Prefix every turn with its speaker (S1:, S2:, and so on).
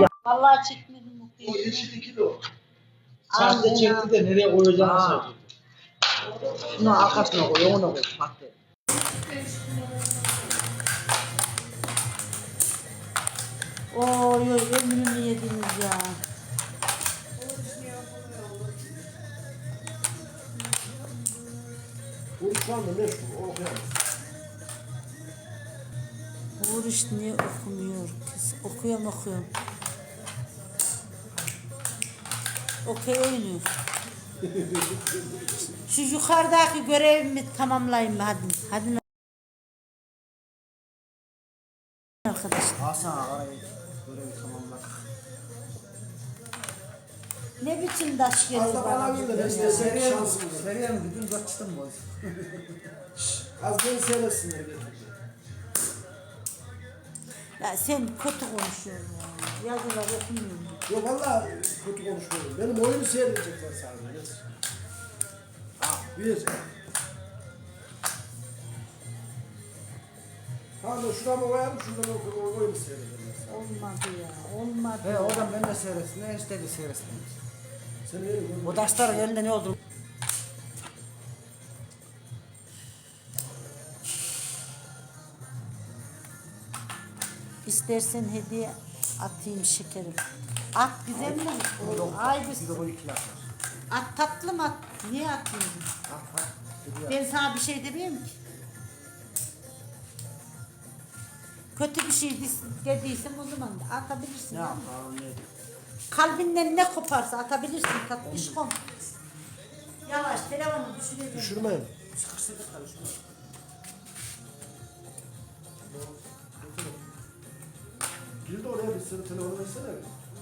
S1: Vallahi çekmedim
S2: O
S1: mutluyum.
S2: yeşil 2 de o. Sahte çekti de nereye koyacağını söyledi.
S3: Şunu arkasına koy, ona koy. Sahte.
S1: Oy oy ömrümü yediniz ya.
S2: Bu şu anda meşhur, o okuyamaz.
S1: Oruç niye okumuyor kız? Okuyorum. Okey oynuyor. Şu yukarıdaki görevimi tamamlayayım mı? Hadi arkadaşlar.
S3: Hasan arayı görevi tamamladık.
S1: Ne biçim taş geliyor
S2: Az da bana
S1: bana
S2: bir de
S1: bugün
S2: ben
S1: ya?
S2: size şansım var.
S3: Seriye mi gidin, kaçtın mı?
S2: Az beni seyretsinler getirdi.
S1: Ya sen kötü konuşuyorsun ya. Yazılar okumuyorum.
S2: Yo valla kötü konuşmuyorum. Benim oyunu seyredecekler sadece. Yes. Bir. Tamam da şurama koyalım, şuradan o oyunu seyrederler.
S1: Olmadı ya. Olmadı.
S3: He oradan ben de seyretsin, ne istedi seyretsin.
S2: Sen öyle görmüyorsun.
S3: O taşların elinde ne oldu?
S1: İstersen hediye atayım şekerim. At güzel mi? Ay
S3: Bir de bu iki laf var.
S1: at tatlı mı at? Niye atmıyorsun?
S3: At.
S1: Ben sana bir şey demiyorum ki. Kötü bir şey dediysem o zaman da atabilirsin.
S3: Ne
S1: değil mi?
S3: yapalım ne?
S1: Kalbinden ne koparsa atabilirsin tatlışkom. Yavaş telefonu düşüreceğim.
S2: Düşürmeyin.
S3: Sıkıştırdık karışma.
S2: Gir de oraya bir sürü telefonu versene.